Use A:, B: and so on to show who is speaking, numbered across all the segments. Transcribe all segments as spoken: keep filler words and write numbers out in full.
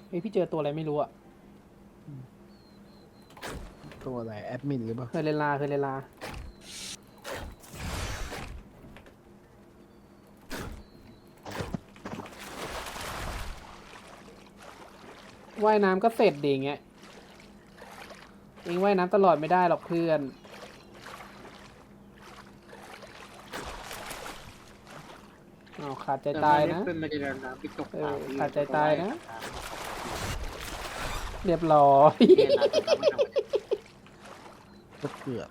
A: เฮ้ยพี่เจอตัวอะไรไม่รู้อะ
B: ตัวอะไรแอดมินหรือเปล่า
A: เคยเลนลาเคยเลนลาว่ายน้ำก็เสร็จดีอย่างเงี้ยเองว่ายน้ำตลอดไม่ได้หรอกเพื่อนอ้าวขาดใจตายนะ
C: เป็นมาเดินน้ำไปตก
A: เอ
C: ปลา
A: อขาดใจตายนะ เรียบร้อย
B: ก็เกือบ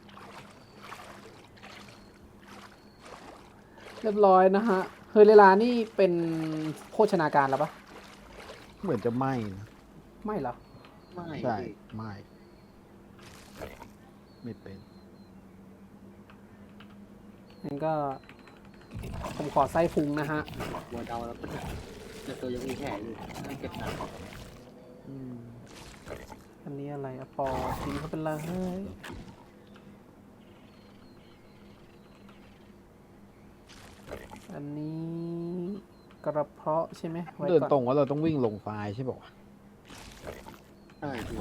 A: เรียบร้อยนะฮะเฮอร์เรลานี่เป็นโภชนาการแล้วปะ
B: เหมือนจะไหม้นะ
A: ไม่เหรอ
C: ไม่
B: ใช่ไหม้ไม่เป็น
A: งั้นก็ ผมขอไส้พุงนะฮะ
C: หัวเดาแล้วก็จะตัวยังมีแผลอยู่ไม่เก็บหนัก
B: อืม
A: อันนี้อะไรอะปอกินเขาเป็นไรเฮ้ยอันนี้กระเพาะใช่ไหมไว้
B: เดิน
A: ก่อน
B: ตรงว่าเราต้องวิ่งลงไฟล์ใช่ป่าวะ
C: ใช่พี่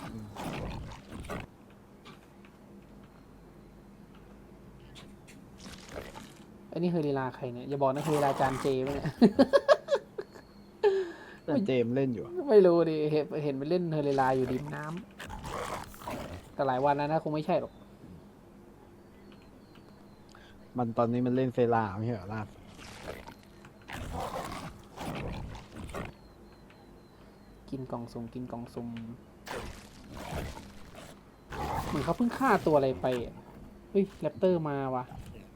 A: อันนี้เฮอร์เรลาใครเนี่ยอย่าบอกนะเฮอร์เรลาจานเจไหมเนี่ย
B: แต่เจมส์เล่นอยู่อะ
A: ไม่รู้ดิเห็นเห็นไปเล่นเฮอร์เรลาอยู่ริมน้ำแต่หลายวันแล้วนะคงไม่ใช่หรอก
B: มันตอนนี้มันเล่นเซราไม่ใช่เหรอล่าสุด
A: กินกล่องซุ่มกินกล่องซุ่มเหมือนเขาเพิ่งฆ่าตัวอะไรไปอะเฮ้ยแรปเตอร์มาว่ะ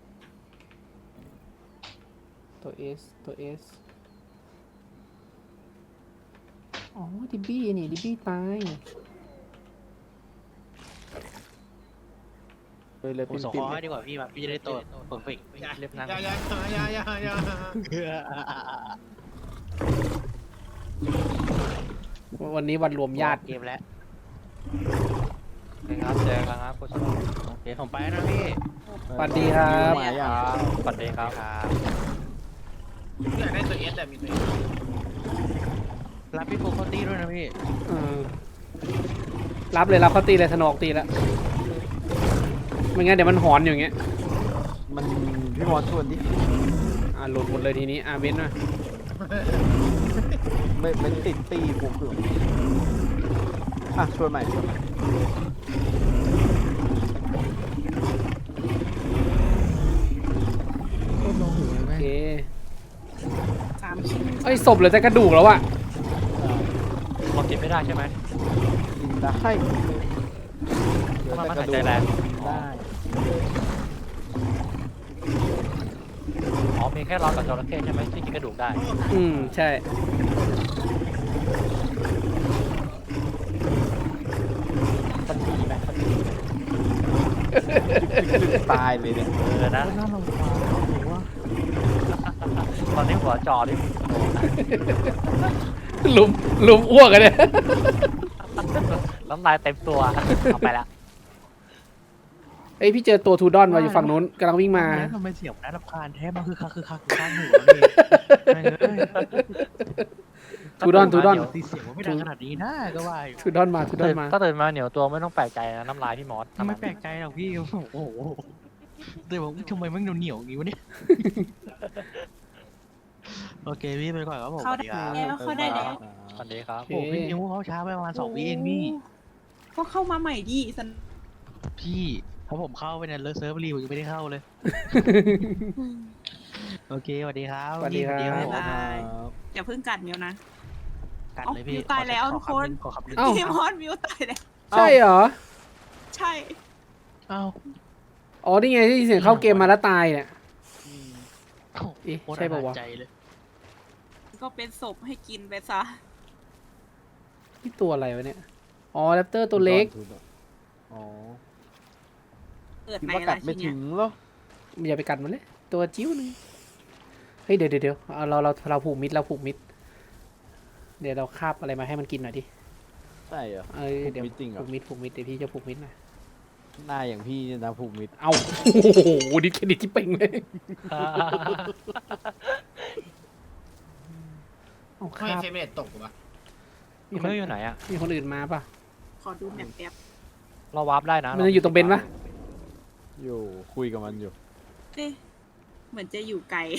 A: ตัวเอสตัวเอสอ๋อดิบบี้นี่ดิบบี้ตายเลยเลย
D: ผม
A: เป็น
D: ส่ง
A: ปิ
D: ข
A: ด
D: อให้ดีกว่าพี่มาพี่จะได้ตัวเปิดฟิกเรียบนั่ง
C: อย่าอย่าอย่าอย่าอย่า
A: วันนี้วันรวมญาติ
D: เกมแล้วนะครับเจอกันครับโค้ชโอเคผมไปนะพี่
A: สวัสดีครับ
B: มาอย่าง
D: สวัสดีครับ
C: อยากได้ตัวเอสแต่มีตัวเอส
D: รับพี่โฟกัสตี้ด้วยนะพี่
A: เออรับเลยรับเขาตีเลยสนอกตีแล้วไม่งั้นเดี๋ยวมันหอนอยู่อย่างเงี้ย
B: มันพี่มอสชวนดิ
A: อ่าหลุดหมดเลยทีนี้อ่าเว้นมา
B: ไม่ไม่ติดตีผมเกือบอ่ะชวนใหม่ชวนใหม่
A: โอเค
E: สามชิ้น
A: เอ้ยศพเหลือแต่กระดูกแล้วอะ
D: เรากินไม่ได้ใช่ไหม
B: กินได้เดี๋ยว
D: มัน
B: แต่
D: มัน
B: ก
D: หา
B: ระ
D: ย
B: ดู
D: ใจ
B: ก
D: แรง
B: ได้
D: อ๋อมีแค่รอกับจระเข้ใช่ไหมที่กินกระดูกได้
A: อืมใช่
D: มันดีไหมมันดีไหม
B: ตายเลยเนี่ย
D: เออนะ
B: น่ารำคาญหรือว่า
D: ตอนนี้หัวจอนี่
A: ลุมลุมอ้วกกันเนี่ย
D: น้ำลายเต็มตัวเอาไปละ
A: เอ้ยพี่เจอตัวทูดอนมาอยู่ฝั่งนู้นกำลังวิ่งมา
D: ทำไมเสียงน่ารำคาญแท้มันคือคักคือคักคือคักหูนี่
A: ทูดอนทูดอน
D: เดี๋ยวตีเสียงมันไม่ดังขนาดนี้นะก็ว่าอยู่
A: ทูดอนมาทูดอนมา
D: ถ้าตื่นมาเหนียวตัวไม่ต้องแปลกใจนะน้ำลายพี่มอส
F: ไม่แปลกใจหรอกพี่ โอ้โหแต่บอกทำไมมันเหนียวๆอย่างนี้วะเนี่ย โอเคพี่ไปก่อนครับผม
E: เข้าได้แล้วเข้าได้แล้ว
D: สวัสดีครับ
F: โอ้โหพี่นิ้วเขาช้าไปประมาณสองวิเองพี่
E: ก็เข้ามาใหม่ดิสัน
F: พี่เพราะผมเข้าไปเนี่ยเลิกเซิร์ฟรีผมยังไม่ได้เข้าเลย โอเคสวัสดีครับ
A: สวัสดีครับ
F: พี่
E: บ๊าย
F: ผม
E: บายอย่าเพิ่งกัดมิวนะ
F: กัดเลยพี่
E: เอ้ามิวตายแล้วทุกคน
F: ขอขับหนึ่ง
A: เอ้า
E: พี่มอสมิวตายแล้ว
A: ใช่เหรอ
E: ใช่
F: เอ้า
A: อ๋อนี่ไงที่เสียงเข้าเกมมาแล้วตายเนี่ย
F: โอ้โห
A: เอ๊ะ
F: โคตร
A: ใช่ปะวะ
F: อนาจใจเลย
E: ก็เป็นศพให้กินไปซะ
A: นี่ตัวอะไรวะเนี่ย อ๋อแรปเตอร์ตัวเล็ก
B: อ๋อ
E: เกิด
B: คิด
E: ไหน
B: ว่ากั
E: ล่ะ
B: ด
E: ที
B: ไม่
E: เนี้
B: ถึ
E: ย
B: งเหรอ
A: อย่าไปกัดมันเลย ตัวจิ้วหนึงเฮ้ยเดี๋ยวเดี๋ยวเดี๋ยวเอาเราเราเราผูกมิดเราผูกมิด เดี๋ยวเราคาบอะไรมาให้มันกินหน่อยดิ
B: ใช่เหรอ
A: เอ้ยเดี๋ยว
B: ผูกมิดจริงเหรอ
A: ผูกมิดผูกมิดเดี๋ยวพี่จะผูกมิดหน่อย
B: หน้าอย่างพี่เนี่ยนะผูกมิด
A: เอาโอ้โหดิเครดิตที่เป่งเลยเอาค
C: ไม่
A: รับ
C: เฟรมเรทตกปะ
A: มี
D: คุณ
A: คน
D: มิวอยู่ไหนอะ
A: มีคนอื่นมาป่ะ
E: ขอดูแมปแป๊บ
D: เราวาร์ปได้นะ
A: มันจะอยู่ตรงเบนปะ
B: อยู่คุยกับมันอยู่
E: เอ๊ะเหมือนจะอยู่ไกล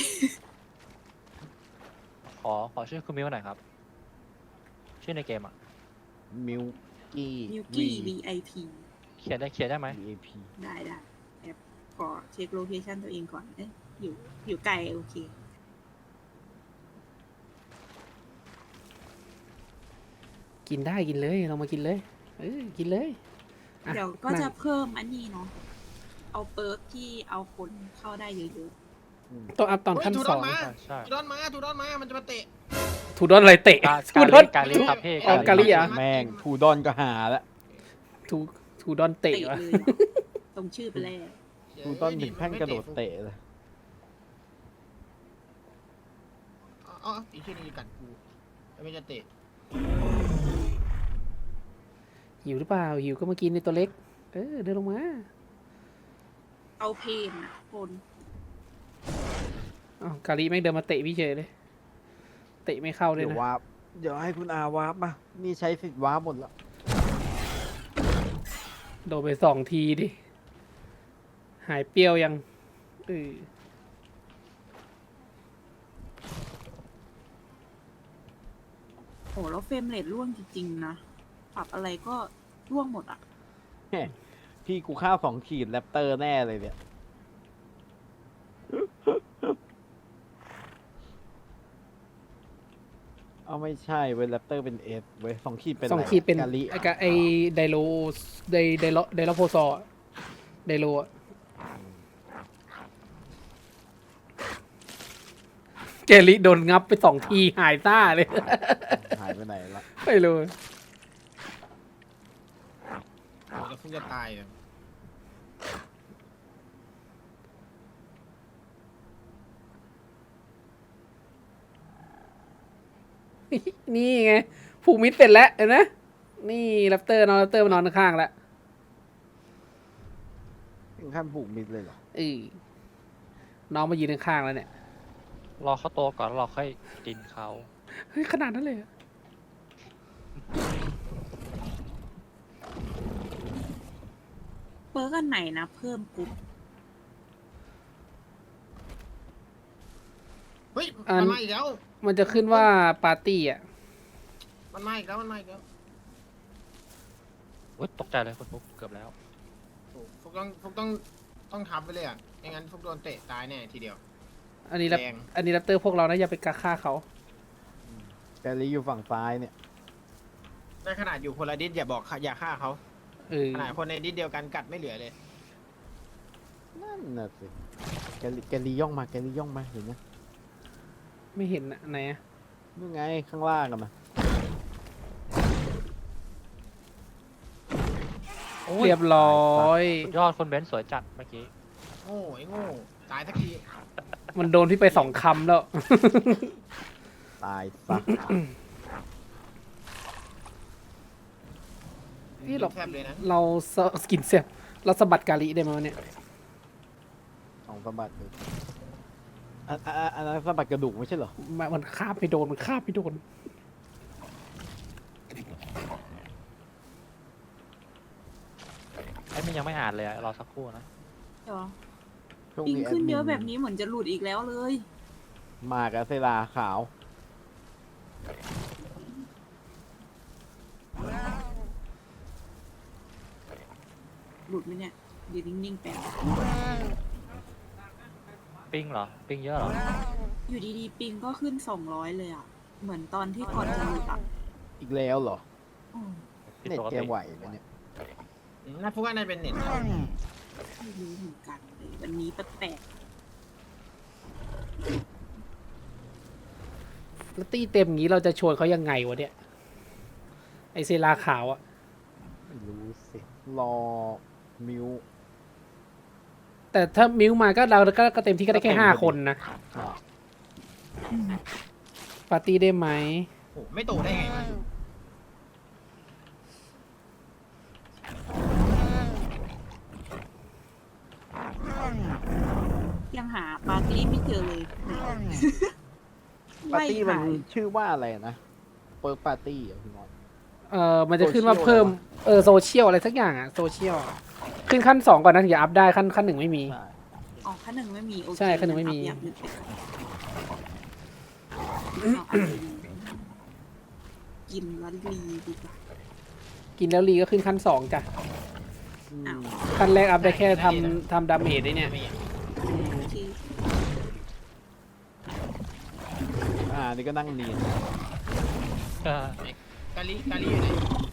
D: ขอขอชื่อคุณมิวหน่อยครับ ชื่อในเกมอะ
B: มิวกี้
E: มิวกี้ วี ไอ พี
D: เขียนได้เขียนได้ไหม
B: วี ไอ พี
E: ได้ได้แป๊บขอเช็คโลเคชันตัวเองก่อน เอ๊ะอยู่อยู่ไกลโอเค
A: กินได้กินเลยเรามากินเลยเออกินเลยอ่ะ
E: เดี๋ยวก็
A: นั่ง
E: จะเพิ่มอันนี้เนาะ เอาเปิร์กที่เอาคนเข้าได้เยอะ
A: ต้องอัพตอน
G: เฮ้ย
A: ขั้น
G: ทู
A: ส
G: ดอ
A: อน ง
G: มา
D: ใช่
G: ทูดอนมาทูดอนมา มันจะมาเตะ
A: ทูดอนอะไรเตะ
D: กา
A: ทู
D: กา
A: ดอ
D: ลิ
A: น
D: กาลิครับพี่
A: อ๋อกาลิเหรอ
B: แม่งทูดอนก็หาแล้ว
A: ทูทูดอน
E: ๆ
A: เตะ
E: เตะ
A: วะ
E: เลยเหรอตรงชื่อไปแล้ว
B: ทูดอนถึงขั้นกระโดดเตะเลย
G: อ๋ออ๋ออีกชื่อนึงกัดกูแล้วไม่จะเตะ
A: หิวหรือเปล่าหิวก็มากินในตัวเล็ก เออเดินลงมา
E: เอาเพนอะคน
A: อ๋อกาลิแม่งเดินมาเตะพี่เฉยเลย เตะไม่เข้าเลย
B: เดี๋ยว
A: นะ
B: วาร์ปเดี๋ยวให้คุณอาวาร์ปมานี่ใช้สิทธิ์วาร์ปหมดแล้ว
A: โดนไปสองทีดิ หายเปรี้ยวยังเออ
E: โอ้แล้วเฟรมเรทร่วงจริงๆนะ ปรับอะไรก็ร่วงหมดอะ
B: พี่กูข้าวสองขีดแรปเตอร์แน่เลยเนี่ย เอาไม่ใช่เว้ยแรปเตอร์เป็นเอสเว้ยสองขีดเป็น
A: สอง
B: อะไร
A: ขีดเป็น
B: กาลิ
A: ไอ้กะไอไดโลไดไดโลไดโลโพซอร์ไดโลอะเกลิโดนงับไปสองทีหายซ่าเลย
B: หายไปไหนละ
A: ไม่รู้
G: โอ้จะฟุ้งจะตายเลย
A: นี่ไงผูกมิดเสร็จแล้วเห็นไหมนี่แรปเตอร์นอนแรปเตอร์มานอนข้างๆแล้ว
B: ถึงขั้นผูกมิดเลยเหรอ
A: เออน้องมายืนข้างๆแล้วเนี่ย
D: รอเขาโตก่อนแล้วเราค่อยกินเขา
A: เฮ้ยขนาดนั้นเลยเหรอ
E: เปิร์กอันไหนนะ เพิ่มกรุ๊ป
G: เฮ้ย มันมาอีกแล้ว
A: มันจะขึ้นว่าปาร์ตี้อ่ะ
G: มันมาอีกแล้ว มันมาอีกแล้ว
D: อุ๊ยตกใจเลยคุณฟุกเกือบแล้ว
G: โอ้ฟุกต้องฟุกต้องต้องทำไปเลยอ่ะไม่งั้นฟุกโดนเตะตายแน่ทีเดียว
A: อันนี้แรป
G: แรง
A: อันนี้แรปเตอร์พวกเรานะอย่าไปกาฆ่าเขา
B: กาลิอยู่ฝั่งซ้ายเนี่ย
G: ในขนาดอยู่คนละดิสอย่าบอกอย่าฆ่าเขา
A: เออ
G: ขนาดคนในดิสเดียวกันกัดไม่เหลือเลย
B: นั่นน่ะสิแกลิแกลิย่องมาแกลิย่องมาเห็นไหม
A: ไม่เห็นอะไหนอะ
B: นู่นไงข้างล่างกันมา
A: เรียบร้อย
D: สุดยอดคนเบนซ์สวยจัดเมื่อกี้
G: โง่ไอ้โง่ตายสักที
A: มันโดนพี่ไปสองคำแล้ว
B: ตายซะ
A: นี่เรา
G: แทบเลยนะ
A: เราสกินเสียบเราสะบัดกาลิได้ไหมวะเนี่ย
B: สองสะบัดเลยอันอันอันอันนั้นสะบัดกระดูกไม่ใช่เหรอ
A: มันมันคาบไปโดนมันคาบไปโดน
D: ไอ้มันยังไม่อ่านเลยอะรอสักครู่นะ
E: เดี๋ยว
B: ช่วง
E: ปิง
B: นี้
E: ขึ้นเยอะ
B: ดมิ
E: แบบนี้เหมือนจะหลุดอีกแล้วเลย
B: มากับเซราขาว
E: หลุดไหมเนี่ยยืนนิ่งๆแป๊บ
D: ปิ้งเหรอ ปิ้งเยอะเหรอ
E: อยู่ดีๆ ปิงก็ขึ้นสองร้อยเลยอ่ะ เหมือนตอนที่ก่อนจะหลุดอ่ะ
B: อีกแล้วเหรอ
E: อืม
D: ผิด
B: เน็ต
D: ปก
B: แก
D: ติ
B: ไหวไหมเนี่ย
G: อืมน่าฟุกว่าน่าจะเป็นเน็ต
E: ไม่รู้เหมือนกันเลยวันนี้แปลก
A: แล้วตีเต็มอย่างนี้เราจะชวนเขายังไงวะเนี่ย ไอเซราขาวอะ
B: ไม่รู้สิ รอมิว
A: แต่ถ้ามิวมาก็เราก็ก็เต็มที่ก็ได้แค่ห้าคนนะ ปาร์ตี้ได้ไหม
G: โอ้ไม่โตได้ไงวะ
E: ๆยังหาปาร์ตี้ไม่เจอเลย
B: ปาร์ตี้มัน
E: ไล่หาย
B: ชื่อว่าอะไรนะ เปิร์กปาร์ตี้เหรอพี่มอส
A: เออมันจะขึ้นว่าเพิ่มเออโซเชียลอะไรสักอย่างอะโซเชียลขึ้นขั้นสองก่อนนะถึงจะอัพได้ขั้นขั้นหนึ่งไม่มี
B: ใช่
E: อ๋อขั้นหนึ่งไม่มีโอเค
A: ใช่ขั้นหนึ่งไม่มี
E: อัพอย่างอื่นไปก่อนเอาอันอื่นกินแล้วรีดีกว่า
A: กินแล้วรีก็ขึ้นขั้นสองจ้ะ
B: อืม
E: อ้าว
A: ขั้นแรกอัพได้แค่ทำทำดาเมจได้เนี่ยอืม
E: โอเค
B: อ่านี่ก็นั่งเนียน
D: เออก
G: าลีกาลีอยู่ไหน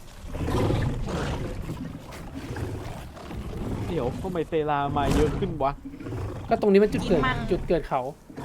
B: เดี๋ยวทำไมเซรามาเยอะขึ้นวะ
A: ก็ตรงนี้มันจุดเกิดจุดเกิดเขา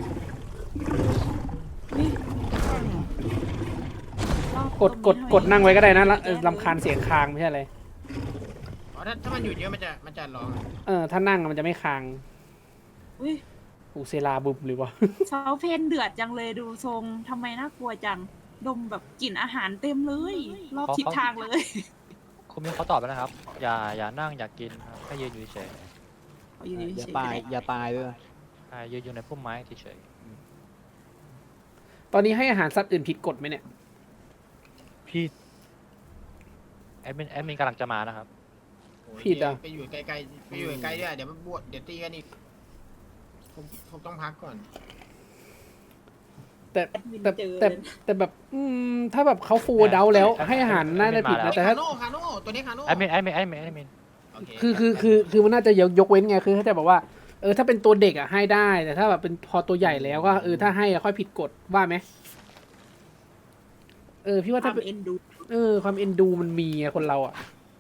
E: รอบ
A: กดกด
E: ตรงนี้
A: กดนั่งไว้ก็ได้นะละ
E: แก้
A: เออลำคาญเสียงคางไม่ใช่อะไร
G: อ๋อถ้าถ้ามันอยู่เยอะมันจะมันจะร้องอะ
A: เออถ้านั่งมันจะไม่คาง
E: อุ้ย
A: อูเซลาบุบหรือวะ
E: เซาเพนเดือดจังเลยดูทรงทำไมน่ากลัวจัง ดมแบบกลิ่นอาหารเต็มเลย รอบทิศทางเลย
D: คุณมิวเขาตอบไปแล้วนะครับ อย่าอย่านั่งอย่ากินครับแค่ยืนอยู่เฉย
E: เอาอยู่
B: อย่า
E: เฉยๆ
B: ตาย
E: ก็ได้
B: อย่าตายด้วยนะ
D: ๆใช่ยืนอยู่ในพุ่มไม้เฉย
A: ตอนนี้ให้อาหารสัตว์อื่นผิดกฎไหมเนี่ย
D: ๆพี่แอดมินแอดมินกำลังจะมานะครับ
G: โอ้ย
A: ผิดอะ
G: ไปอยู่ไกลๆไปอยู่ไกลๆด้วยเดี๋ยวมันบวชเดี๋ยวตีกันอีกผมผมต้องพักก่อน
A: แต่
E: แอดมิน
A: แต่
E: เจอ
A: แต่
E: เลย
A: แต่แบบอืมถ้าแบบเขาฟูลเดาแล้วให้อาหารน่าจะผิดนะแต่ถ้า
G: คาโน่คาโน่ตัวนี้คาโน่
D: แอดมินแอดมินแอดมินแอดมิน
G: โอเค
A: คือคือคือคือมันน่าจะยกยกเว้นไงคือเขาจะบอกว่าเออถ้าเป็นตัวเด็กอ่ะให้ได้ แต่ถ้าแบบเป็นพอตัวใหญ่แล้วก็เออถ้าให้อะค่อยผิดกฎว่าไหมเออพี่ว่า
E: ค
A: ถ้าว
E: าม
A: เป็น
E: เอ็นดู
A: เออความเอ็นดูมันมีอะคนเราอ่ะ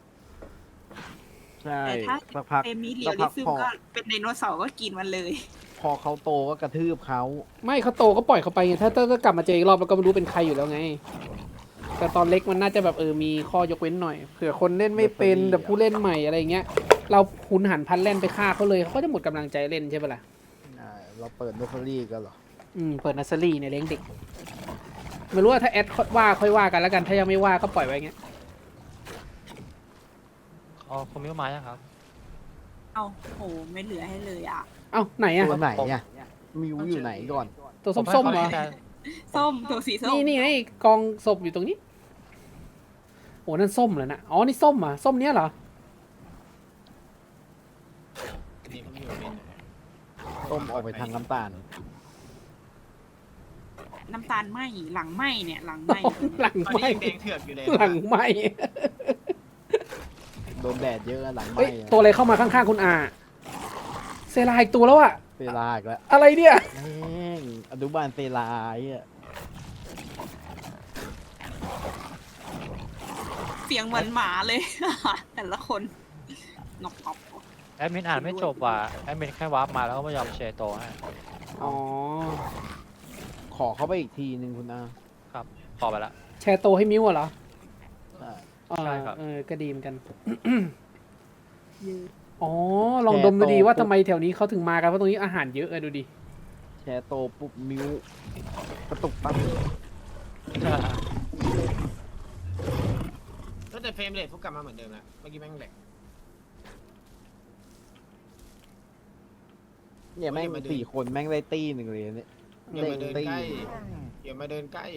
B: ใช่
E: แต่ถ้า
B: สักพัก
E: เอมิเรี
B: สั
E: ย
B: ก
E: ลิ
B: พัก
E: ซึม
B: พอ
E: ก็เป็นไดโนเสาร์ก็กินมันเลย
B: พอเขาโตก็กระทืบเขา
A: ไม่เขาโตก็ปล่อยเขาไปไงถ้าถ้าถ้ากลับมาเจออีกรอบแล้วก็ไม่รู้เป็นใครอยู่แล้วไง แต่ตอนเล็กมันน่าจะแบบเออมีข้อยกเว้นหน่อยเผื่อคนเล่นไม่เป็นแบบผู้เล่นใหม่อะไรเงี้ยเราหุนหันพลันแล่นไปฆ่าเขาเลยเขาก็จะหมดกำลังใจเล่นใช่ปะล่ะ
B: อ่าเราเปิดเนอร์เฟอรี่กันเหรอ
A: อืมเปิดนัสเซอรี่เนี่ยเลี้ยงเด็กไม่รู้ว่าถ้าแอดว่าค่อยว่ากันแล้วกันถ้ายังไม่ว่าก็ปล่อยไว้เงี้ย
D: อ๋อคุณมิวมายังครับ
E: เอาโหไม่เหลือให้เลยอ่ะ
A: เอ้าไหนอะ
B: ตัวไหนเนี่ยมิวอยู่ไหนก่อน
A: ตัวส้มๆเหรอ
E: ส้มตัวสีส้ม
A: นี่นี่ไอ้กองศพอยู่ตรงนี้โอ้นั่นส้มเหรอนะอ๋อนี่ส้มเหรอ่ะส้มเนี้ยเหรอ
G: นี่ผมอยู่เป็น
B: ต้มออกไปทางน้ำตาล
E: น้ำตาลไหมหลังไหมเนี่ยหลังไหม
A: หลัง
G: ตอน
A: ไหม
G: นี้ยังแดงเถือกอยู่เลย
A: หลังไหม
B: โดนแดดเยอะหลังไหม
A: เฮ้ยตัวอะไรเข้ามาข้างๆคุณอาเซลาอีกตัวแล้วอะ
B: เซราอีกแล้ว
A: อะไรเนี่ย
B: แม่งอนุบาลเซราไอ้อะ
E: เสียงเหมือนหมาเลย แต่ละคนนกออก
D: แอดมินอ่านไม่จบว่ะแอดมินแค่วาร์ปมาแล้วก็ไม่ยอมแชร์โตวให้
A: อ๋อ
B: ขอเข้าไปอีกทีหนึ่งคุณอา
D: ครับพอไปละ
A: แชร์โตให้มิวอะเหรอ
B: ใช่
A: อ่า
D: ใช่ครับ
A: เออก็ดีเหมือนกัน
E: เยอะ
A: อ๋อลองดมดูดีว่าทำไมแถวนี้เขาถึงมากันเพราะตรงนี้อาหารเยอะเออดูดิ
B: แชร์โตปุ๊บมิวกระตุกปั๊บ
G: ก็แต่เฟรมเรทพวกกลับมาเหมือนเดิมแล้วเมื่อกี้แม่งแหลก
B: เนี่ยแม่ง
G: อย่ามาดู
B: สี่คนแม่งได้ตี้หนึ่งเลยเนี่ย
G: อย่ามาเดิน
B: ตี้
G: ใกล้อย่ามาเดินใกล้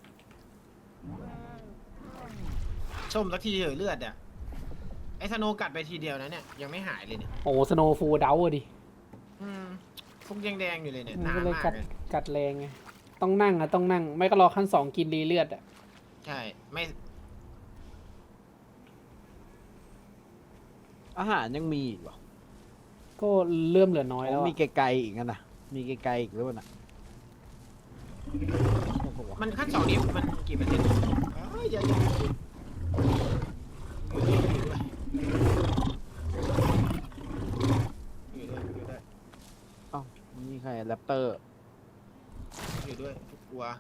G: ส้มสักทีเถอะเลือดอ่ะไอ้สโนว์กัดไปทีเดียวนะเนี่ยยังไม่หายเลยเนี่ย
A: โอ้สโนว์ฟูลเดาอะดิ
G: อืมฟุกยังแดงอยู่เลยเนี่ย
A: มัน
G: นา
A: ก็
G: น
A: เลย
G: มาก
A: กัด
G: เลย
A: กัดแรงไงต้องนั่งอะต้องนั่ง ไม่ก็รอขั้นสองกินรีเลือดอะ
G: ใช่ไม่
B: อาหารยังมีอีกเหรอ
A: ก็เริ่มเหลือน้อยแล้ว
B: อ๋อ
A: อะ
B: มีไกลๆอีกนะมีไกลๆอีกหรือเปล่าน่ะโอ้โห
G: มันขั้นสองนี้มันกี่เปอร์เซ็นต์เอ้ยอย่าอย่าอยู่ด้วยอยู่ด้วยอยู่ด้วย
B: เอ้านี่ใครแรปเตอร์
G: อยู่ด้วยทุกกลัว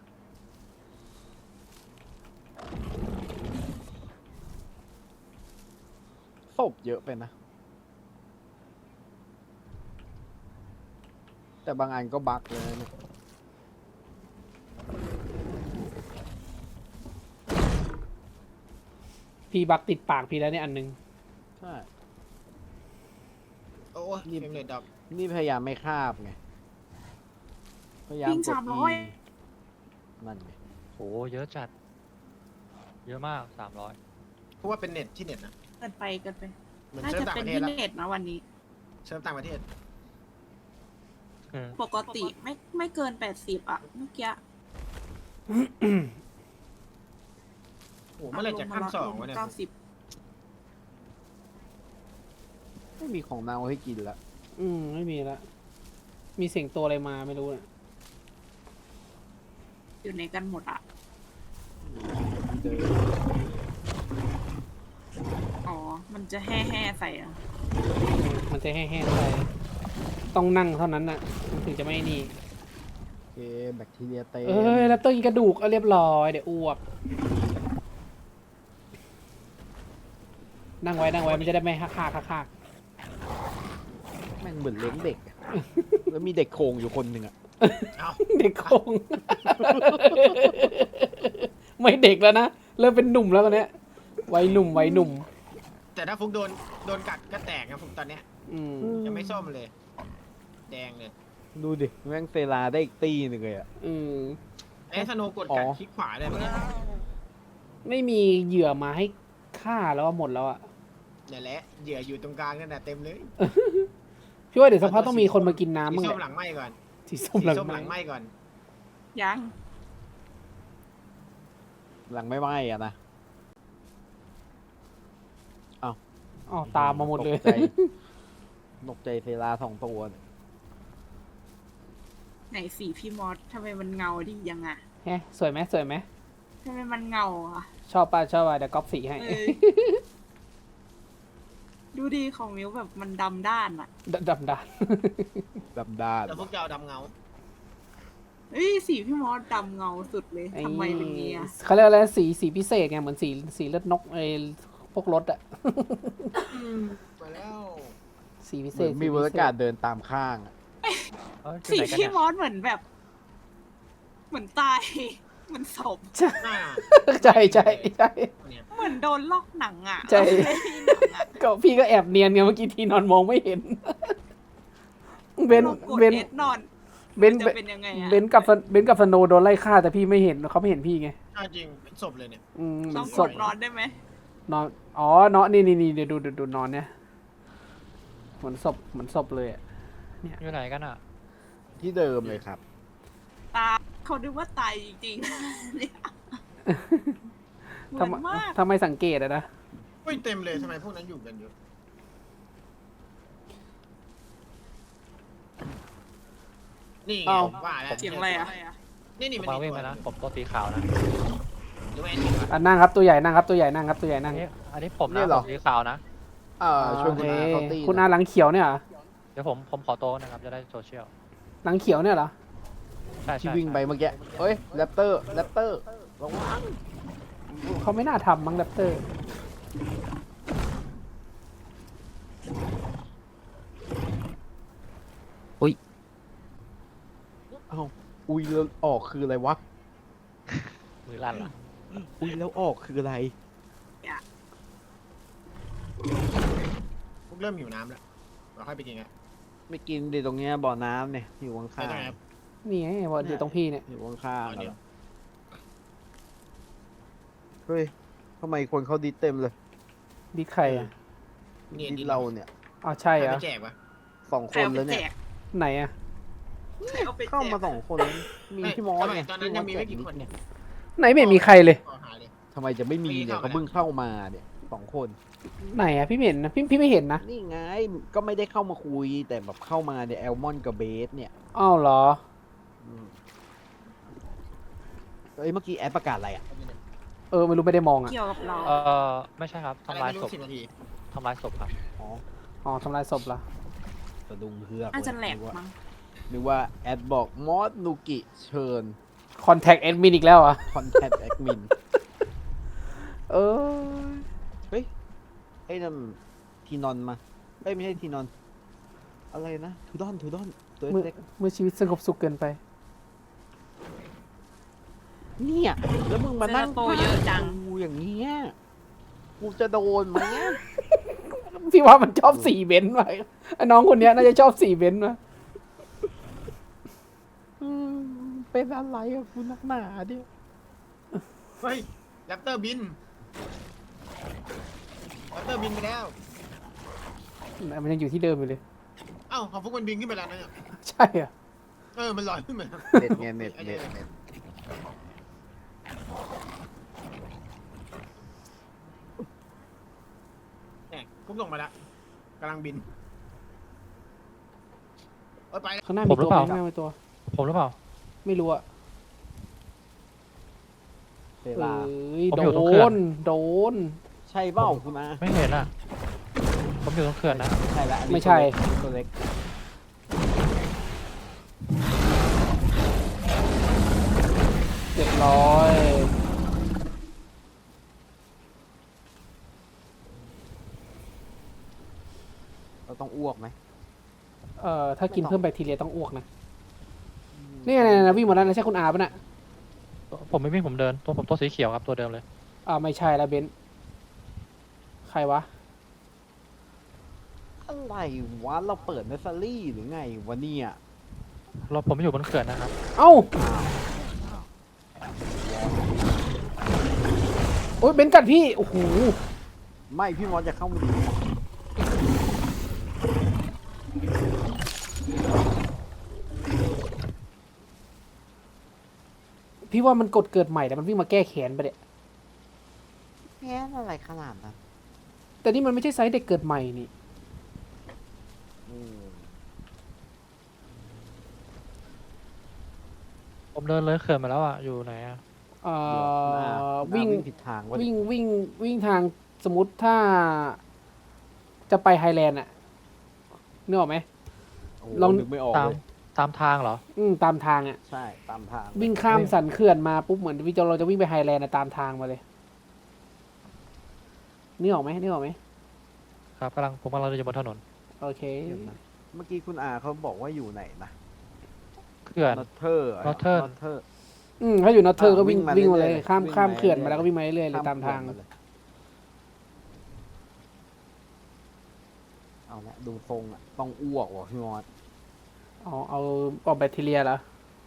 B: ศพเยอะไปนะ แต่บางอันก็บั๊กเลยนะเนี่ย
A: พี่บักติดปากพี่แล้วเนี่ยอันนึง
B: ใช่
G: โอ้ย
B: นี่
G: เฟรมเรทดับ
B: นี่พยายามไม่คาบไง พยายาม
E: วิ่ง
B: กด
E: สามร้อย
B: นั่นไง
D: โหเยอะจัดเยอะมากสามร้อย
G: เพราะว่าเป็นเน็ตที่เน็ตนะ
E: เกินไปเกินไป
G: เหมือน
E: น่า
G: เซิร์ฟ
E: จะ
G: ต่าง
E: เป็
G: ป
E: น
G: ระเทศ
E: ที่
G: แล้ว
E: เน็ตนะวันนี้
G: เซิร์ฟต่างประเทศ
E: ปกติไม่ไม่เกินแปดสิบอะเมื่อกี้
G: โอ้โหเมื่อไหรจะขั้นสองวะเนี่ย
E: เก้าสิบ
B: ไม่มีของเน่าให้กินละ
A: อืมไม่มีละมีเสียงตัวอะไรมาไม่รู้เนี่ย
E: อยู่ในกันหมดอะ
B: ที่เดิม
E: อ๋อ มันจะแห่แห่ใส่อะ
A: มันจะแห้งๆไปต้องนั่งเท่านั้นน่ะมันถึงจะไม่นี่
B: โอเคแบคทีเรียเต็ม
A: เอ้ยแล้วต้องกินกระดูกเอาเรียบร้อยเดี๋ยวอ้วกนั่งไว้นั่งไว้มันจะได้ไม่ฮักฮักฮักฮัก
B: แม่งเหมือนเลี้ยงเด็กอะแล้วมีเด็กโครงอยู่คนหนึ่งอะ
G: เอา
A: เด็กคง ไม่เด็กแล้วนะเริ่มเป็นหนุ่มแล้วตอนเนี้ยวัยหนุ่มวัยหนุ่ม
G: แต่ถ้าฟุกโดนโดนกัดก็แตกนะฟุกตอนเนี้ย
A: อืม
G: ยังไม่ส้มเลย แดงเลย
B: ดูดิแม่งเซราได้อีกตีหนึ่งเลยอะ
A: อืม
G: ไอ้สโนว์กดกัด
B: อ๋อ
G: คลิกขวาได้ไหมเนี่ย
A: ไม่มีเหยื่อมาให้ฆ่าแล้วอะหมดแล้วอะ
G: นี่นแหละเหยื่ออยู่ตรงกลางนั่นแหละเต็มเลย
A: พี่ว่าเดี๋ยวสักพักต้องมีคนมากินน้ำ
G: สี
A: มั้ง
G: ส้
A: แห
G: ม
A: ละ
G: หลังไหมก่อน
A: สีส้ม
G: สี
A: หลัง
G: ส้ม
A: ไห
G: หลังไหมก่อน
E: ยัง
B: หลังไม่ไหม้อะนะ
A: อ๋อตามมาหมดเลย
B: ตกใจตกใจเซราสองตัวเนี่ย
E: ไหนสีพี่มอสทำไมมันเงาดียังอะ
A: แฮะสวยไหมสวยไหม
E: ทำไมมันเงาอะ
A: ชอบป่ะชอบป่ะเดี๋ยวก๊อปสีให้
E: เออ ดูดีของมิวแบบมันดำด้านอะ
A: ดำดำด
B: ดำด้าน
G: แล้วฟุกจะเอาดำเงา
E: เอ้ยสีพี่มอสดำเงาสุดเลย
A: ำ
E: ทำไมเป็นงี้อะ
A: เขาเรียกอะไรสีสีพิเศษไงเหมือนสีสีเลือดนกไอ้พวกรถอะ
G: มาแล้ว
A: สีพิ
B: เห
A: เศ
B: มือ
A: ษ
B: นมีเวอร์การ์ดเดินตามข้างอะ
D: เอ้ยอยู่
E: สี
D: ไหนกัน
E: พี่
D: เนี่ย
E: มอสเหมือนแบบ เหมือนตาย เหมือนศพ
G: หน้า
A: ใช่ใช่ใช่
G: เนี่ย
E: เหมือนโดนลอกหนังอะ
A: ใช่
E: เราไม่ได้หนังอะ
A: ก็พี่ก็แอบเนียนไงเมื่อกี้ทีนอนมองไม่เห็น เบน
E: เรากด
A: เบน
E: เอสนอน
A: เบน
E: จะเป็นยังไงอะ
A: เบนกับเบนกับสโนว์โดนไล่ฆ่าแต่พี่ไม่เห็นเขาไม่เห็นพี่ไง
G: เอาจริงเป็นศพเลยเนี่ย
A: อืม
E: ต้อง
A: ศ
E: ก
A: พ
E: ดนอนได้ไหม
A: นอนอ๋อเนาะนี่นี่นี่เดี๋ยวดูดูดูนอนเนี่ยเหมือนศพเหมือนศพเลยอะ
D: อยู่ไหนกันอ่ะ
B: ที่เดิมเลยครับ
E: ตาเขาดูว่าตายจริงๆเนี่ยเหมื
A: ทำ
E: อน
A: ไม
E: มาก
A: ทำไมสังเกตอะนะ
G: อุ้ยเต็มเลยทำไมพวกนั้นอยู่กันเยอะนี่ไง
B: เอ้า
G: ผมว่าแล้ว
E: เสียงอะไรอะ
G: นี่นี่
D: ผม
G: มัน
D: มา
G: อีก
D: วิ่ง
G: ตัว
D: ไปนะผมตัวสีขาวนะ
G: หรือว่าแอนนี่วะ
A: อ่ะนั่งครับตัวใหญ่นั่งครับตัวใหญ่นั่งครับตัวใหญ่นั่
D: อั
A: ง
D: นนี้อันนี้ผม
B: นี่
D: นะ
B: เหรอ
D: ผมสีขาวนะ
B: เออชวนคุณอา
A: โอ
B: เขา
A: เค
B: ตี
A: คุณ
B: นะ
A: อาหลังเขียวเนี่ยเหรอ
D: เดี๋ยวผมผมขอโต๊ะนะครับจะได้โซเชียล
A: หลังเขียวเนี่ยเหรอ
D: ใช่
B: ที่
D: ใช่
B: วิ่งไปเมื่อกี้เฮ้ยแรปเตอร์แรปเตอร์ระวัง
A: เขาไม่น่าทำมั้งแรปเตอร์
B: เอ้าอุ้ยแล้วออกคืออะไรวะ
D: มือลั่นเหรอ
B: อุ้ยแล้วออกคืออะไร
G: พวกเริ่มหิวน้ำแล้วเราค่อยไปกินกัน
B: ไม่กินดิตรงเนี้ยบ่อน้ำเนี่ยอยู่ข้าง
G: ใช่ไหมครับ
A: นี่ไงว่าอยู่ตรงพี่เนี่ย
B: ๆอยู่ข้าง
G: เอา
B: ๆ
G: เดี๋
B: กั
G: ยว
B: นเฮ้ยทำไมคนเขาดิสเต็มเลย
A: ดิใครอ่ะ
G: นี่
B: ดิสเราเนี่ย
A: อ๋อใช่
G: ใคร
A: เหร
G: ไป
A: อ
G: แจกวะ
B: สอง
E: ใค
B: ค
E: ร
B: น
E: เอาไป
B: แล้ว
E: แจ
B: เนี่ย
E: ก
A: ไหนอ่ะ
E: ใครเอาไปแจ
B: เข้าก มาสองคนแล้วมี
G: เอ้ย
B: พี่มอส
G: ทำไม
B: ไง
G: ตอนนั้นยังมีไม่กี่คนเนี่ย
A: ไหนไม่เห็นมีใครเลย
G: ขอหาเลย
B: ทำไมจะไม่มีเนี่ย
G: ไม่
B: เขา
G: เข้ามา
B: เพิ่งเข้ามาเนี่ยสองคน
A: ไหนอ่ะพี่ไม่เห็นนะพี่พี่ไม่เห็นนะ
B: นี่ไงก็ไม่ได้เข้ามาคุยแต่แบบเข้ามาเนี่ยแอลมอนกับเบสเนี่ย
A: อ้าวเหรอ
B: อืมเอ้ยเมื่อกี้แอดประกาศอะไรอ่ะ
A: เออไม่รู้ไม่ได้มองอ่ะ
E: เกี่ยวกับเรา
D: เออไม่ใช่ครับ
G: อะไร
D: ทำลาย
G: ไม่
D: ศ
G: รู้
D: พ
G: สิบนาที
D: ทำลายศพครับ
B: อ๋อ
A: อ๋อทำลายศพละ
B: สะดุงเพือก
E: น่าจะแหลก
B: นึว่า
E: มั้ง
B: นึกว่าแอดบอกมอสนุกิเชิญ
A: คอนแทคแอดมินอีกแล้วอ่ะ
B: คอนแทคแอดมิน
A: เออ
B: เฮ้ยไอ้นั่นทีนอนมาเอ้ยไม่ใช่ทีนอน อะไรนะทูดอนทูดอนตัว
A: เมื่อ
B: เล็ก
A: เมื่อชีวิตสงบสุขเกินไป
B: ๆเนี่ยแล้วมึงมานั่ง
E: เซราโตเยอะจัง
B: กูอย่างเงี้ยกูจะโดนไหมเนี่ย
A: พี่ว่ามันชอบสีเบนซ์ไปน้องคนเนี้ยน่าจะชอบสีเบนซ์มา
B: อืมเป็นอะไรอะกูนักหนาเนี่ย
G: เฮ้ยแรแรปเตอร์บินแรปเตอร์บินไปแล้ว
A: มันยังอยู่ที่เดิมอยู่เลย
G: เอ้าของฟุกมันบินขึ้นไปแล้วนะเนี่ย
A: ใช่อ่ะ
G: เออมันลอยขึ้นไปแล้ว
B: เน็ตไงเน็ตเน็ตเน็ต
G: เนี่ยฟุกส่งมาแล้วกำลังบินเออไปแล้ว
A: ข้างหน้ามีตัวไหมข้างหน้ามีตัว
D: ผมหรือเปล่า
A: ไม่รู้อะ
B: เว
A: เอ้
B: ลา
A: ย
D: ผม
A: โด
D: อยู่ตรงเขื่อน
A: น โดน
B: ใช่เปล่าคุณอา
D: ไม่เห็นอ่ะ ผมอยู่ตรงเขื่อนนะ
B: ใช่ละอันนี้
A: ไม่ใช่
B: ตัวเล็ก
A: เรียบร้อย
B: เราต้องอ้วกไหม
A: เอ่อ ถ้ากินเพิ่มแบคทีเรียต้องอ้วกนะ นี่ไงนะวิ่งหมดแล้วนะใช่คุณอาปะน่ะ
D: ผมไม่วิ่งผมเดิน ตัวผมตัวสีเขียวครับตัวเดิมเลย
A: อ่าไม่ใช่แล้วเบนซ์ใครวะ
B: อะไรวะเราเปิดเนสซารี่หรือไงวะเนี่ย
D: เราผมไม่อยู่บนเขื่อนนะครับ
A: เอ้า โอ้ยเบนซ์กัดพี่ โอ้โห
B: ไม่พี่มอสจะเข้ามาดู
A: พี่ว่ามันกดเกิดใหม่แต่มันวิ่งมาแก้แค้นไปเนี่ย
B: แค่อะไรขนาดนั้น
A: แต่นี่มันไม่ใช่ไซส์เด็กเกิดใหม่นี่
B: อืม
D: ผมเดินเลยเขื่อนมาแล้วอ่ะ อยู่ไหนอ่ะ
A: เอ่อ
B: เดี๋ยวคุณอา
A: วิ่ง
B: คุณอาวิ่งผิดทางวะ
A: วิ่งวิ่งวิ่งทางสมมติถ้า จะไปไฮแลนด์อะนึกออกไหม
B: โอ้โห
A: ลอง
B: นึกไม่ออก
D: ตาม
B: เลย
D: ตามทางเหรอ
A: อืมตามทางอะ
B: ใช่ตามทาง
A: วิ่งข้ามสันเขื่อนมาปุ๊บเหมือนวิจเราจะวิ่งไปไฮแลนด์อะตามทางมาเลยนึกออกไหมนึกออกไหม
D: ครับกำลังผมกำลังเดินอยู่บนถนน
A: โอเค
B: เดี๋ยวนะเมื่อกี้คุณอาเขาบอกว่าอยู่ไหนนะ
D: เขื่อน
B: นอเทอร์
D: Northern
B: นอเทอร์
A: อืมถ้าอยู่นอตเทอร์ก็วิ่ง
B: อ่าวิ่
A: วิ่ง
B: ง
A: มา
B: มา
A: เลย
B: เรื่อยๆ
A: ข้าม
B: วิ่ง
A: ข้าม
B: มา
A: เขื่อนมา
B: เรื่อยๆ
A: แล้วก็วิ่งมาเรื่อยๆเลยตามทาง
B: เอาละดูทรงอ่ะต้องอ้วกว่ะพี่มอส
A: เอาเอาออกแบคทีเรียเหรอ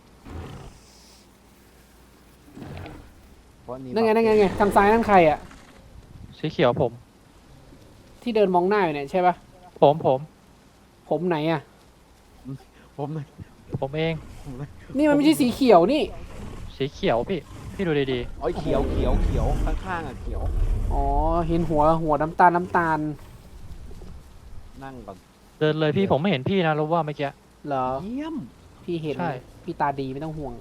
B: เพราะนี่
A: นั่นไงนั่นไงไงทางซ้ายนั่นใครอะ
D: สีเขียวผม
A: ที่เดินมองหน้าอยู่เนี่ยใช่ปะ
D: ผมผม
A: ผมไหนอะ
B: ผมเลย
D: ผมเอง
A: นี่มันไม่ใช่สีเขียวนี่
D: สีเขียวพี่ พี่ดูดี
B: โอ้ยเขียวเขียวเขียวข้างๆอ่ะเขียว
A: อ๋อเห็นหัวหัวน้ำตาลน้ำตาล
B: นั่งก่อน
D: ๆ เดินเลยพี่ผมไม่เห็นพี่นะรู้ว่าเมื่อกี้
A: เหรอ
B: เยี่ยม
A: พี่เห็น
D: ใช่
A: พี่ตาดีไม่ต้องห่วง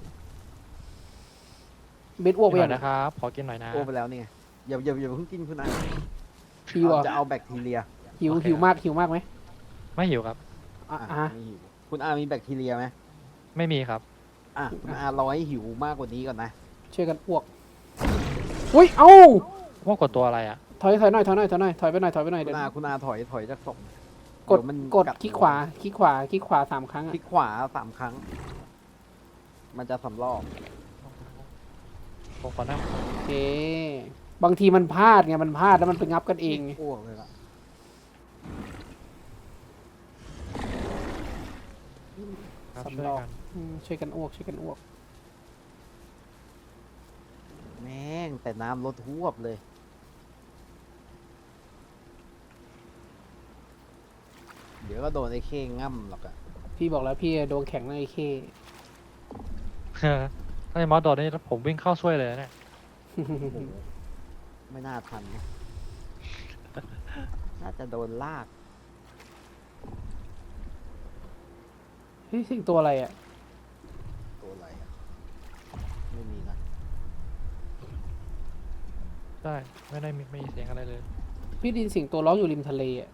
A: เบสอ้วกไป
D: หน่
A: ยั
D: อง ยนะครับ ขอกินหน่อยนะ
B: โอ้ไปแล้วนี่ไงอย่าอย่าอย่าเพิ่งกินคุณอา
A: หิวอ่ะ
B: จะเอาแบคทีเรีย
A: หิว
D: โอเค
A: หิวมากหิวมากไหม
D: ไม่หิวครับ
A: อ่ะ
B: อ่ะ
A: อ่ะ
B: ไม่หิวคุณอามีแบคทีเรียไหม
D: ไม่มีครับ
B: อ่ะคุณอารอให้หิวมากกว่านี้ก่อนนะ
A: ช่วยกันอ้วกอุ้ยเอ้า
D: ว่ากดตัวอะไรอ่ะ
A: ถอยถอยหน่อยถอยหน่อยถอยหน่อยถอยไปหน่อยถอยไปหน่อย
B: คุ
A: เดี๋ย
B: ณ
A: ว
B: อาคุณอาถอยถอยจากศพ
A: กด
B: เยวมัน
A: กด
B: กั
A: คลิกขวาคลิกขวาคลิกขวาสามครั้ง
B: ค
A: อ่ะ
B: ลิกขวาสามครั้ง มันจะสำรอก
D: ผมขอนั่ง
A: โอเคบางทีมันพลาดไงมันพลาดแล้วมันไปงับกันเองไง
B: อ้วกเลยล่ะ
D: ครับช่วย
A: สำรอก
D: กัน
A: อืมช่วยกันอ้วกช่วยกันอ้วก
B: แม่งแต่น้ำลดทวบเลย เดี๋ยวก็โดนไอ้เข้ง่ำหรอกอะ
A: พี่บอกแล้วพี่โดนแข็งเลยไอ้เค
D: ถ้าไอ้มอสโดนนี่ผมวิ่งเข้าช่วยเลยนะเนี่ย
B: โอ้โหไม่น่าทันนะน่าจะโดนลาก
A: เฮ้ยสิ่งตัวอะไรอ่ะ
B: ตัวอะไรอะไม่มีนะ
D: ใช่ ไม่ได้มีไม่มีเสียงอะไรเลย
A: พี่ไดยินเสียงตัวร้องอยู่ริมทะเลอ่ะ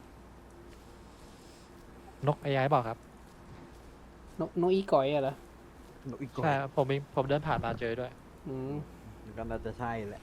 D: นกไอ้ย้ายเปล่าครับ
A: นกนกอีก่อยอะเหรอ
B: นกอีกตัว
D: ใช่ครับผมมีผมเดินผ่านมาเจอด้วย
A: อืม
B: ก็น่าจะใช่แหละ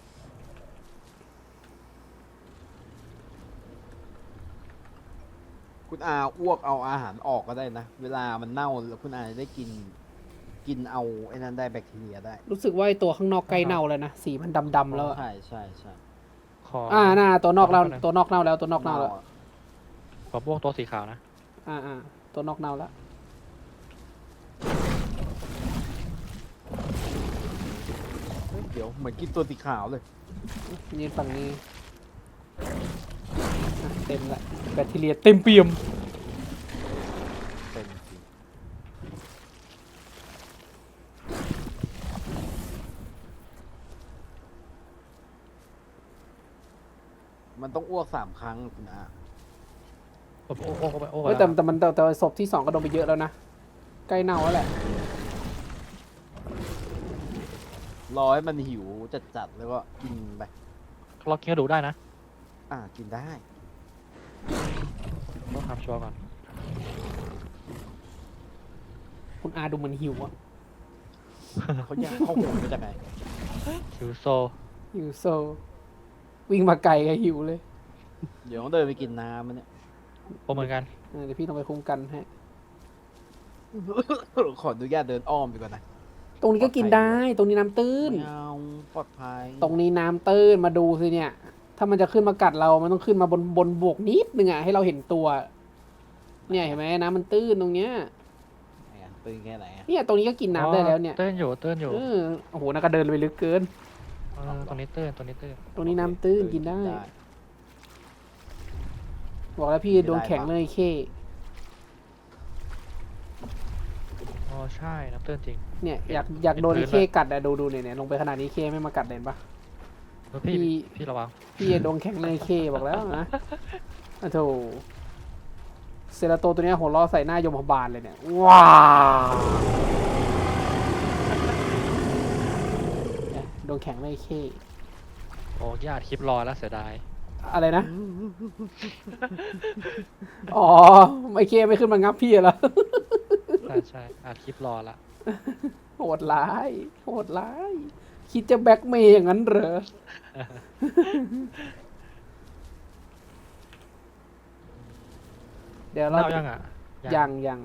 B: คุณอาอ้วกเอาอาหารออกก็ได้นะ เวลามันเน่าแล้วคุณอาจะได้กิน กินเอาไอ้นั้นได้แบคทีเรียได้
A: รู้สึกว่าไอตัวข้างนอกใกล้เน่าแล้วนะสีมันดำๆแล้วอะ
B: ใช่ใช่ใช่
D: ขอ
A: อ่าน่าตัวนอกเน่า
D: ขอหน่อย
A: ตัวนอกเน่าแล้วตัวนอกเน่าแล้ว
D: ผมพวกตัวสีขาวนะ
A: อ่าอ่าตัวนอกเน่าแล้ว
B: เฮ้ยเดี๋ยวดี๋ยวเหมือนกินตัวสีขาวเลย
A: ยืนฝั่งนี้อ่ะเต็มละแบคทีเรียเต็มเปี่ยม
B: เป็นสิมันต้องอ้วกสามครั้งคุณอา
D: โอ้โอ้โอ้โอ้โอ้
A: เฮ้ยแต่แต่มันแต่แต่ศพที่สองก็โดนไปเยอะแล้วนะ ใกล้เน่าแล้วแหละ
B: รอให้มันหิวจัดๆแล้วก็กินไป
D: เรากินกระดูกได้นะ
B: อ่ากินได้
D: ต้องทำชัวร์ก่อน
A: คุณอาดูเหมือนหิวอะ
B: เขาอยากเข้าหูมาจากไหน
D: หิวโซ
A: หิวโซ วิ่งมาไกลก็หิวเลย
B: เดี๋ยวต้องเดินไปกินน้ำมันเนี่ย
D: โอ้เหมือนกัน
A: เออเดี๋ยวพี่ต้องไปคุ้มกันให้
B: ขออนุญาตเดินอ้อมดีกว่านะ
A: ตรงนี้ก็กินได้ ตรงนี้น้ำตื้น
B: ไม่เอาปลอดภัย
A: ตรงนี้น้ำตื้นมาดูสิเนี่ย ถ้ามันจะขึ้นมากัดเรา มันต้องขึ้นมาบนบนบวกนิดนึงอะให้เราเห็นตัว เนี่ยเห็นไหมน้ำมันตื้นตรงเนี้ย
B: ไหนอะตื่นแค่ไหนอะ
A: เนี่ยตรงนี้ก็กินน้ำได้แล้วเนี่ย
D: เต้นอยู่เต้นอยู่
A: เออโอ้โหน่าก็เดินไปลึกเกิน
D: เออตรงนี้เต้นตรงนี้เต้น
A: ตรงนี้น้ำตื้นกินได้ บอกแล้วพี่โดนแข็งเลยเค
D: อ๋อใช่น้ำเต้นจริง
A: เนี่ยอยากอยากโดน
D: เป็น
A: ไอ้
D: พื้
A: เคน กัดอะดูดูเนี่ยเนี่ยลงไปขนาดนี้เคไม่มากัดเด่นปะ
D: เออพี่
A: พี่
D: พี่ระวัง
A: พี่โดนแข็งเลยเคบอกแล้วนะอะโถเซราโตตัวเนี้ยหัวล้อใส่หน้ายมพบาลเลยเนี่ยว้าวเนี่ยโดนแข็งเลยเค
D: โอ้ญาติคลิปรอแล้วเสียดาย
A: อะไรนะ อ๋อไอเคไม่ขึ้นมางับพี่เหรอ
D: ใช่ใช่อัดคลิปรอละ
A: โหดร้าย โหดร้าย คิดจะแบ็กเมย์อย่างนั้นเหรอ เดี๋ยวเรา
D: เล่ายังอ่ะ
A: ยังยัง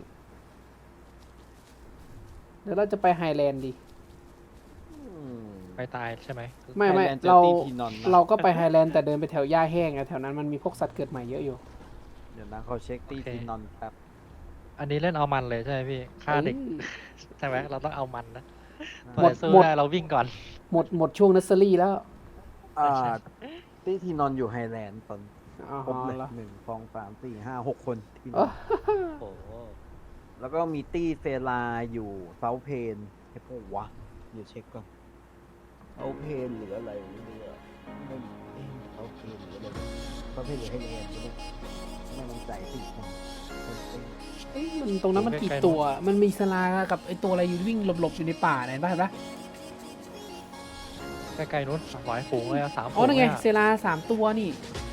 A: เดี๋ยวเราจะไปไฮแลนด์ดิ
B: อืม
D: ไปตายใช่ไหม
A: ไม่ไม่
B: Highland
A: เรา
B: Jetty Pinon นะ
A: เราก็ไปไฮแลนด์แต่เดินไปแถวหญ้าแห้งอะแถวนั้นมันมีพวกสัตว์เกิดใหม่เยอะอยู่
B: เดี๋ยวนะเขาเช็คตีทีนอนแป๊บ
D: อันนี้เล่นเอามันเลยใช่ไหมพี่ฆ่าเด็ก
A: อ้ย
D: ใช่ไหมเราต้องเอามันนะ
A: หมด
D: เพื่อสู้
A: หมด
D: ได้เราวิ่งก่อน
A: หมดหมดช่วงนัสเซอรี่แล้ว
B: อ่าตีทีนอนอยู่ไฮแลนด์ตอน
A: อ๋อ
B: ครบเลย
A: เหรอ
B: หนึ่งสองสามสี่ห้าหกคนที่น
A: อ๋
B: อ
A: อ
B: น
D: โอ้โห
B: แล้วก็มีตี้เฟลาอยู่เซาเพนไอ้พวกวะเดี๋ยวเช็คก่อนเซาเพนหรืออะไรไม่รู้อะไม่เอ๊ะเซาเพนหรืออะไรเซาเพนหรือไฮแลนด์ก็ได้ไม่มั่นใจสิคนคนเต้น
A: เอ้ยมันตรงนั้นมันกี่ตัว มันมีสลากับไอตัวอะไรอยู่วิ่งหลบๆอยู่ในป่าเนี่ยเห็นปะเห็นปะ
D: ใกล้ๆนู้นหลายฝูงเลยอะสามฝู
A: อ๋อนั่นไง
D: เลยอะ
A: เซลาสามตัวนี่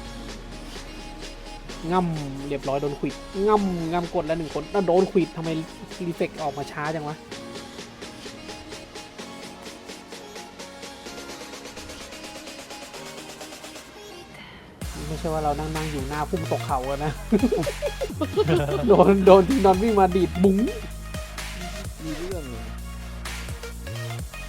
A: ง่ำเรียบร้อยโดนขวิดง่ำง่ำกดแล้วหนึ่งคนแล้วโดนขวิดทำไมรีเฟกออกมาช้าจังวะไม่ใช่ว่าเรานั่งนั่งอยู่หน้าพุ่มตกเขาอะนะ โดนโดนทีนอนวิ่งมาดีดบุ้ง
B: มีเรื่องหนึง